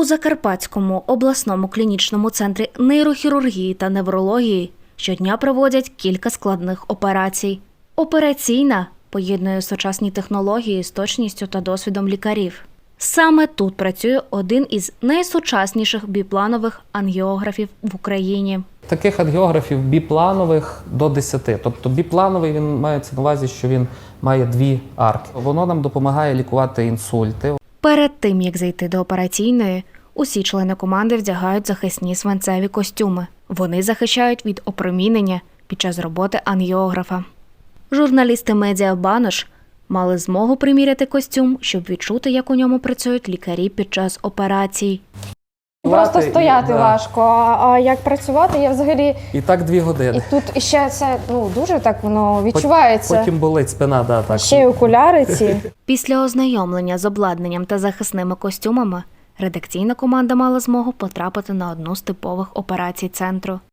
У Закарпатському обласному клінічному центрі нейрохірургії та неврології щодня проводять кілька складних операцій. Операційна поєднує сучасні технології з точністю та досвідом лікарів. Саме тут працює один із найсучасніших біпланових ангіографів в Україні. Таких ангіографів біпланових до 10. Тобто біплановий, він мається на увазі, що він має 2 арки. Воно нам допомагає лікувати інсульти. Перед тим, як зайти до операційної, усі члени команди вдягають захисні свинцеві костюми. Вони захищають від опромінення під час роботи ангіографа. Журналісти медіа «Банош» мали змогу приміряти костюм, щоб відчути, як у ньому працюють лікарі під час операцій. Просто стояти важко, а як працювати, я взагалі... І так 2 години. І тут ще це дуже так воно відчувається. Потім болить спина, так. Ще й окуляри ці. Після ознайомлення з обладнанням та захисними костюмами редакційна команда мала змогу потрапити на одну з типових операцій центру.